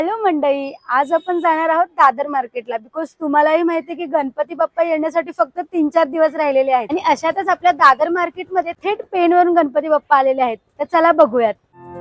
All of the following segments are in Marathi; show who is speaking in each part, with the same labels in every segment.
Speaker 1: हॅलो मंडळी, आज आपण जाणार आहोत दादर मार्केटला. बिकॉज तुम्हालाही माहिती आहे की गणपती बाप्पा येण्यासाठी फक्त 3-4 दिवस राहिलेले आहेत आणि अशातच आपल्या दादर मार्केटमध्ये थेट पेणवरून गणपती बाप्पा आलेले आहेत. तर चला बघूयात.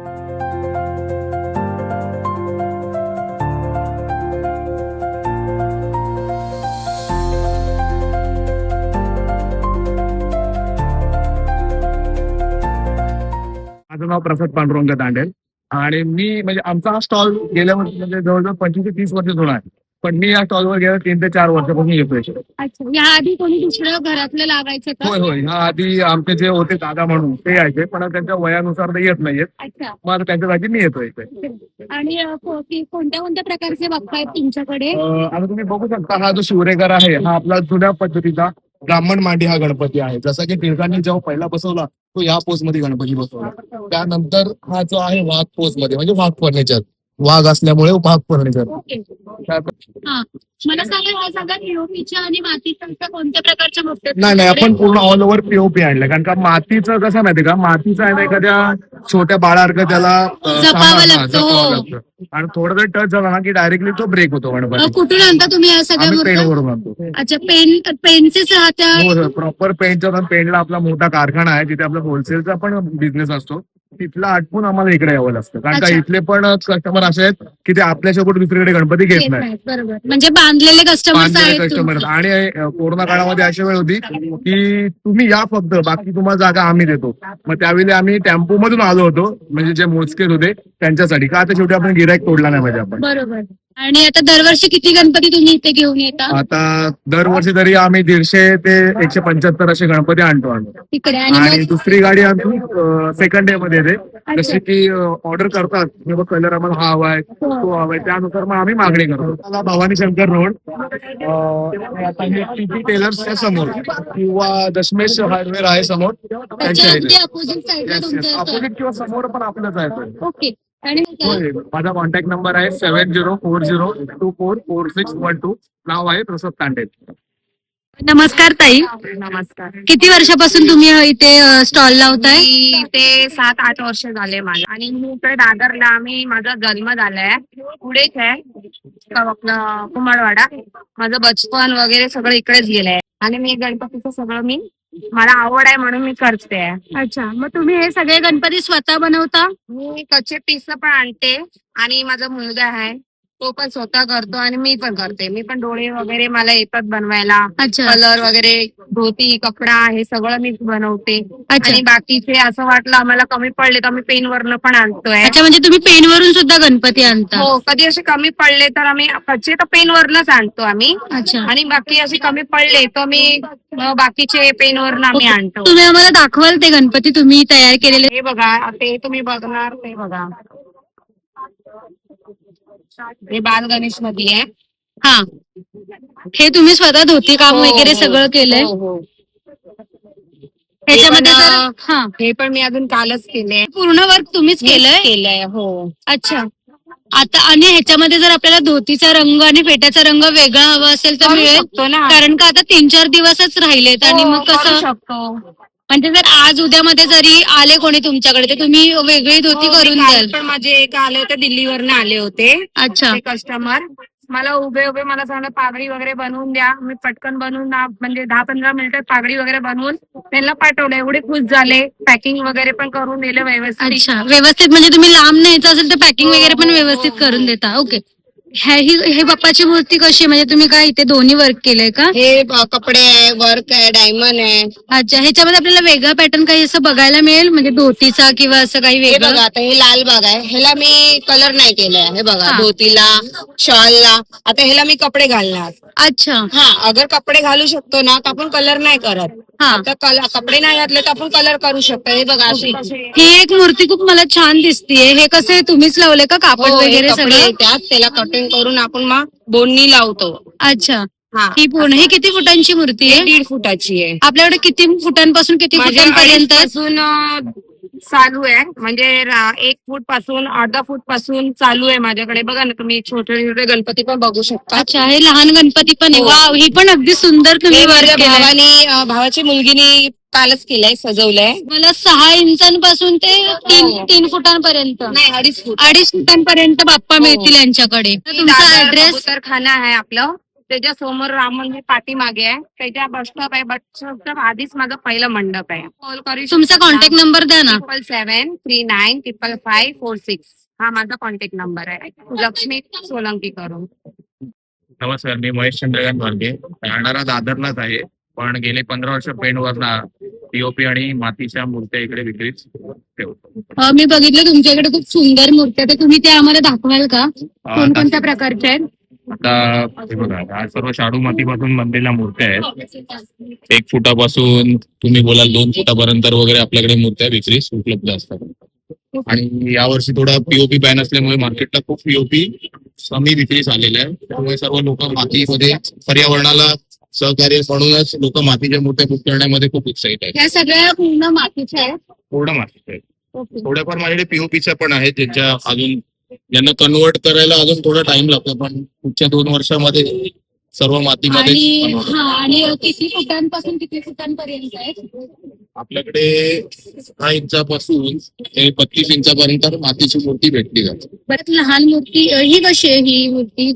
Speaker 2: माझं नाव प्रसाद पांडुरंग दांडेल आणि मी म्हणजे आमचा हा स्टॉल गेल्या वर्षी म्हणजे जवळजवळ 25 ते 30 वर्ष जुना आहे. पण मी या स्टॉलवर गेल्या 3 ते 4 वर्षापासून येतोय.
Speaker 3: अच्छा, या आधी कोणी दुसरं घरातलं लावायचं का?
Speaker 2: होय होय, ह्या आधी आमचे जे होते दादा म्हणून ते यायचे, पण त्यांच्या वयानुसार ते येत नाहीयेत.
Speaker 3: अच्छा.
Speaker 2: मग त्यांच्या जागी मी येतोय इथे.
Speaker 3: आणि कोणत्या कोणत्या प्रकारचे बाप्पा आहेत तुमच्याकडे?
Speaker 2: आता तुम्ही बघू शकता, हा जो शिवरेकर आहे हा आपला जुन्या पद्धतीचा ब्राह्मण मांडी हा गणपती आहे. जसा की टिळकांनी जेव्हा पहिला बसवला तो या पोज मध्ये गणपती बसवला. त्यानंतर हा जो आहे वाघ पोज मध्ये, म्हणजे वाघ फर्निचर, वाघ असल्यामुळे वाघ फर्निचर.
Speaker 3: हा, मला सांगा, हा सगळ्या पीओपीच्या आणि मातीच्या कोणत्या प्रकारच्या मूर्ती?
Speaker 2: नाही, आपण पूर्ण ऑल ओव्हर पीओपी आणलं. कारण का मातीचं कसं माहिती का, मातीचं आहे ना एखाद्या छोट्या बाळासारखं त्याला
Speaker 3: जपावं लागतं.
Speaker 2: आणि थोडं जर टच झाला ना की डायरेक्टली तो ब्रेक होतो गणपती.
Speaker 3: कुठून आणता तुम्ही या सगळ्या मूर्त्या?
Speaker 2: पेंटवरून आणतो.
Speaker 3: अच्छा, पेनचेच राहत्या?
Speaker 2: हो, प्रॉपर पेंटचा. पेंटला आपला मोठा कारखाना आहे जिथे आपला होलसेलचा पण बिझनेस असतो. तिथला आटपून आम्हाला इकडे यावं लागतं. कारण का इथले पण कस्टमर असे आहेत की ते आपल्यासोबत दुसरीकडे गणपती घेत नाही.
Speaker 3: बरोबर, म्हणजे बांधलेले
Speaker 2: कस्टमर. आणि कोरोना काळामध्ये अशी वेळ होती की तुम्ही या फक्त, बाकी तुम्हाला जागा आम्ही देतो. मग त्यावेळी आम्ही टेम्पो मधून आलो होतो, म्हणजे जे मोजकेच होते त्यांच्यासाठी. का आता शेवटी आपण गिराईक तोडला नाही पाहिजे आपण.
Speaker 3: बरोबर. आणि आता दरवर्षी किती गणपती तुम्ही इथे घेऊन येता?
Speaker 2: आता दरवर्षी तरी आम्ही 150 ते 175 असे गणपती आणतो
Speaker 3: इकडे.
Speaker 2: आणि दुसरी गाडी आम्ही सेकंड डे मध्ये येते. जसे की ऑर्डर करतात किंवा कलर आम्हाला हा हवाय तो हवाय, त्यानुसार मग आम्ही मागणी करतो. भवानी शंकर रोड, टेलर्सच्या समोर किंवा दशमेश हार्डवेअर आहे समोर, त्यांच्या अपोजिट किंवा समोर पण आपलंच आहे.
Speaker 3: ओके. आणि
Speaker 2: माझा कॉन्टॅक्ट नंबर आहे 7040244612. नाव आहे प्रसाद तांडेल.
Speaker 3: नमस्कार ताई.
Speaker 4: नमस्कार.
Speaker 3: किती वर्षापासून तुम्ही इथे स्टॉल लावताय?
Speaker 4: ते 7-8 वर्ष झाले मला. आणि मी इकडे दादरला, माझा जन्म झालाय पुढेच आहे आपलं कुमारवाडा. माझं बचपन वगैरे सगळं इकडेच गेलंय. आणि मी गणपतीचं सगळं मला आवड आहे म्हणून मी करते.
Speaker 3: अच्छा, मग तुम्ही हे सगळे गणपती स्वतः बनवता?
Speaker 4: मी कच्चे पीस पण आणते आणि माझा मुलगा आहे तो पण स्वतः करतो आणि मी पण करते. मी पण डोळे वगैरे मला येतात बनवायला.
Speaker 3: अच्छा.
Speaker 4: कलर वगैरे, धोती, कपडा हे सगळं मी बनवते.
Speaker 3: अच्छा.
Speaker 4: आणि बाकीचे असं वाटलं आम्हाला कमी पडले तर आम्ही पेनवरनं पण आणतोय.
Speaker 3: अच्छा, म्हणजे तुम्ही पेनवरून सुद्धा गणपती आणता?
Speaker 4: हो, कधी असे कमी पडले तर आम्ही कच्चे तर पेनवरनच आणतो आम्ही.
Speaker 3: अच्छा.
Speaker 4: आणि बाकी असे कमी पडले तर मी बाकीचे पेनवरनं आम्ही आणतो.
Speaker 3: तुम्ही आम्हाला दाखवाल ते गणपती तुम्ही तयार केलेले?
Speaker 4: हे बघा, ते तुम्ही बघणार, ते बघा, हे बाल गणेश मध्ये आहे.
Speaker 3: हा, हे तुम्ही स्वतः धोती काम वगैरे सगळं केलंय?
Speaker 4: हो.
Speaker 3: ह्याच्यामध्ये
Speaker 4: हे पण मी अजून कालच केले.
Speaker 3: पूर्ण वर्क तुम्हीच
Speaker 4: केलंय. हो.
Speaker 3: अच्छा. आता आणि ह्याच्यामध्ये जर आपल्याला धोतीचा रंग आणि फेट्याचा रंग वेगळा हवा असेल तर मिळेल
Speaker 4: ना?
Speaker 3: कारण का आता 3-4 दिवसच राहिलेत. आणि मग कसं
Speaker 4: शकतो,
Speaker 3: म्हणजे जर आज उद्यामध्ये जरी आले कोणी तुमच्याकडे तर तुम्ही वेगळी धोती करून द्याल?
Speaker 4: पण माझे एक आले होते, दिल्लीवरनं आले होते.
Speaker 3: अच्छा.
Speaker 4: कस्टमर मला उभे मला सांगणं पागडी वगैरे बनवून द्या. मी पटकन बनवून म्हणजे 10-15 मिनिटात पागडी वगैरे बनवून त्यांना पाठवलं. एवढे खुश झाले. पॅकिंग वगैरे पण करून दिलं व्यवस्थित.
Speaker 3: अच्छा, व्यवस्थित. म्हणजे तुम्ही लांब न्यायचं असेल तर पॅकिंग वगैरे पण व्यवस्थित करून देता? ओके. हे बाप्पाची मूर्ती कशी आहे, म्हणजे तुम्ही काय इथे दोन्ही वर्क केलंय का?
Speaker 4: हे कपडे आहे, वर्क आहे, डायमंड आहे.
Speaker 3: अच्छा, ह्याच्यामध्ये आपल्याला वेगळा पॅटर्न काही असं बघायला मिळेल, म्हणजे धोतीचा किंवा असं काही
Speaker 4: हे
Speaker 3: वेगळं?
Speaker 4: बघा, आता हे लाल बाग आहे, ह्याला मी कलर नाही केलाय. हे बघा, धोतीला, शॉलला. आता ह्याला मी कपडे घालणार.
Speaker 3: अच्छा.
Speaker 4: हा, अगर कपडे घालू शकतो ना तर आपण कलर नाही करत. आता कपडे नाही घातले तर आपण कलर करू शकतो. हे बघा, अशी
Speaker 3: ही एक मूर्ती खूप मला छान दिसतीये. हे कसं तुम्हीच लावले का कापड वगैरे सगळं?
Speaker 4: त्याला कटिंग करून आपण मग बोननी लावतो.
Speaker 3: अच्छा. ही पूर्ण ही किती फुटांची मूर्ती आहे?
Speaker 4: 1.5 फुटाची आहे.
Speaker 3: आपल्याकडे किती फुटांपासून किती फुटांपर्यंत
Speaker 4: चालू आहे? म्हणजे 1 फूट पासून, अर्धा फूट पासून चालू आहे माझ्याकडे. बघा ना, तुम्ही छोटे छोटे गणपती पण बघू शकता.
Speaker 3: अच्छा, हे लहान गणपती पण आहे. वाव, ही पण अगदी सुंदर तुम्ही
Speaker 4: भावाची मुलगीनी कालच केलंय, सजवलंय.
Speaker 3: मला 6 इंचांपासून ते
Speaker 4: हो.
Speaker 3: 3 फुटांपर्यंत
Speaker 4: नाही 2.5 फूट.
Speaker 3: 2.5 फुटांपर्यंत बाप्पा मिळतील यांच्याकडे. तुमचा
Speaker 4: दादर
Speaker 3: ऍड्रेस?
Speaker 4: कबूतरखाना आहे आपलं, त्याच्या समोर राम मंदिर पाठीमागे आहे, त्याच्या बस स्टॉप आहे. बस स्टॉपच्या आधीच माझं पहिलं मंडप आहे. कॉल करू
Speaker 3: तुमचा कॉन्टॅक्ट नंबर द्या ना.
Speaker 4: 77395546. हा माझा कॉन्टॅक्ट नंबर आहे. लक्ष्मी सोलंकी करून.
Speaker 2: नमस्कार, मी महेश चंद्रकांत भालके, राहणारा दादरलाच आहे, पण गेले 15 वर्ष पेंटवरनं पीओपी आणि मातीच्या मूर्त्या इकडे विक्रीच ठेवतो.
Speaker 3: मी बघितलं तुमच्याकडे खूप सुंदर मूर्त्या, तर तुम्ही त्या आम्हाला दाखवाल का? कोणकोणत्या प्रकारच्या आहेत?
Speaker 2: आता हे बघा, हा सर्व शाडू मातीपासून बनलेल्या मूर्त्या आहेत. 1 फुटापासून तुम्ही बोलाल 2 फुटापर्यंत वगैरे आपल्याकडे मूर्त्या विक्रीस उपलब्ध असतात. आणि यावर्षी थोडा पीओपी बॅन असल्यामुळे मार्केटला खूप पीओपी कमी विक्रीस आलेला आहे. त्यामुळे सर्व लोक मातीमध्ये पर्यावरणाला सहकार्य म्हणूनच लोक मातीच्या मूर्त्या बुक करण्यामध्ये खूप उत्साहित आहेत.
Speaker 3: ह्या सगळ्या पूर्ण मातीच्या आहेत.
Speaker 2: पूर्ण मातीच्या आहेत. थोड्याफार माझ्याकडे पीओपीच्या पण आहेत, ज्यांच्या अजून ज्यांना कन्वर्ट करायला अजून थोडा टाइम लागतो, पण पुढच्या 2 वर्षामध्ये सर्व मातीमध्ये
Speaker 3: आणि किती फुटांपासून किती फुटांपर्यंत आहेत?
Speaker 2: आपल्याकडे 6 इंचापासून ते 32 इंचापर्यंत मातीची मूर्ती भेटली जाते.
Speaker 3: परत लहान मूर्ती ही कशी आहे? ही मूर्ती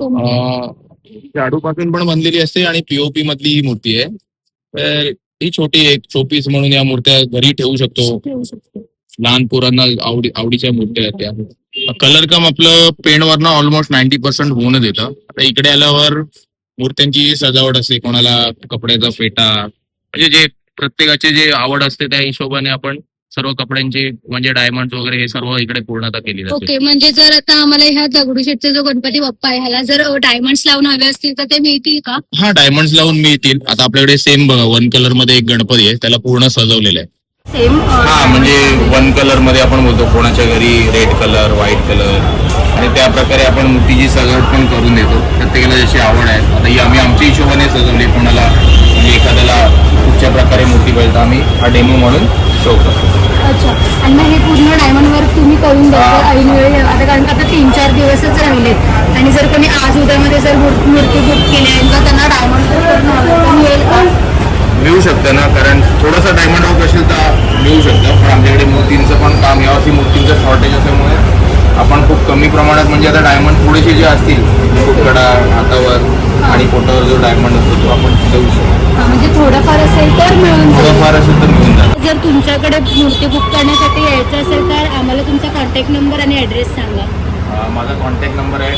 Speaker 2: शाडूपासून पण बनलेली असते आणि पीओपी मधली ही मूर्ती आहे. तर ही छोटी एक शोपीस म्हणून या मूर्त्या घरी ठेवू शकतो. लहान पोरांना आवडीच्या मूर्त्या आहेत त्या. कलर कम आपलं पेंटवरनं ऑलमोस्ट 90% होऊनच येतं. आता इकडे आल्यावर मूर्त्यांची सजावट असते, कोणाला कपड्याचा फेटा, म्हणजे जे प्रत्येकाचे जे आवड असते त्या हिशोबाने आपण सर्व कपड्यांचे म्हणजे डायमंड वगैरे हे सर्व इकडे पूर्णता केली जाते.
Speaker 3: ओके, म्हणजे जर आता आम्हाला ह्या दगडूशेठचा जो गणपती बाप्पा आहे ह्याला जर डायमंड्स लावून हवे असतील तर ते मिळतील का?
Speaker 2: हा, डायमंड्स लावून मिळतील. आता आपल्याकडे सेम बघा 1 कलर मध्ये एक गणपती आहे, त्याला पूर्ण सजवलेलं आहे.
Speaker 1: सेम
Speaker 2: हा, म्हणजे 1 कलर मध्ये आपण बोलतो कोणाच्या घरी रेड कलर, व्हाईट कलर, आणि त्या प्रकारे आपण मूर्तीची सजावट पण करून देतो. प्रत्येकाला जशी आवड आहे. आता ही आम्ही आमच्या हिशोबाने सजवली. कोणाला म्हणजे एखाद्याला कुठच्या प्रकारे मूर्ती पाहिजे आम्ही हा डेमो म्हणून शो करतो.
Speaker 1: अच्छा. आणि मग हे पूर्ण डायमंड वर्क तुम्ही करून द्याल ऐन वेळी? आता कारण का आता 3-4 दिवसच राहिलेत आणि जर कोणी आज उद्यामध्ये जर मूर्ती बुक केली आहे तर त्यांना डायमंड वर्क करणं हवं तर मिळेल का?
Speaker 2: मिळू शकतं ना, कारण थोडंसं डायमंड वर्क असेल तर मिळू शकतं. पण आमच्याकडे मूर्तींचं पण काम, यावर्षी मूर्तींचं शॉर्टेज असल्यामुळे आपण खूप कमी प्रमाणात, म्हणजे आता डायमंड थोडेसे जे असतील मुकुटकडा, हातावर आणि पोटावर जो डायमंड असतो तो आपण देऊ शकतो.
Speaker 1: म्हणजे थोडंफार असेल तर मिळून जाईल.
Speaker 2: थोडंफार असेल तर मिळून जाईल.
Speaker 1: जर तुमच्याकडे मूर्ती बुक करण्यासाठी यायचं असेल तर आम्हाला तुमचा कॉन्टॅक्ट नंबर आणि ॲड्रेस सांगा.
Speaker 2: माझा कॉन्टॅक्ट नंबर आहे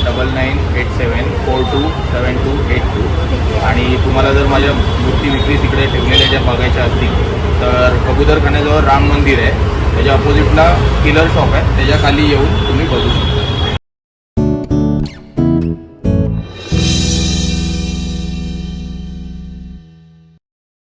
Speaker 2: 9987427282. आणि तुम्हाला जर माझ्या मूर्ती विक्री तिकडे ठेवलेल्या ज्या बघायच्या असतील तर कबूतरखान्याजवळ राम मंदिर आहे, त्याच्या अपोजिटला किलर शॉप आहे, त्याच्या खाली येऊन तुम्ही बघू शकता.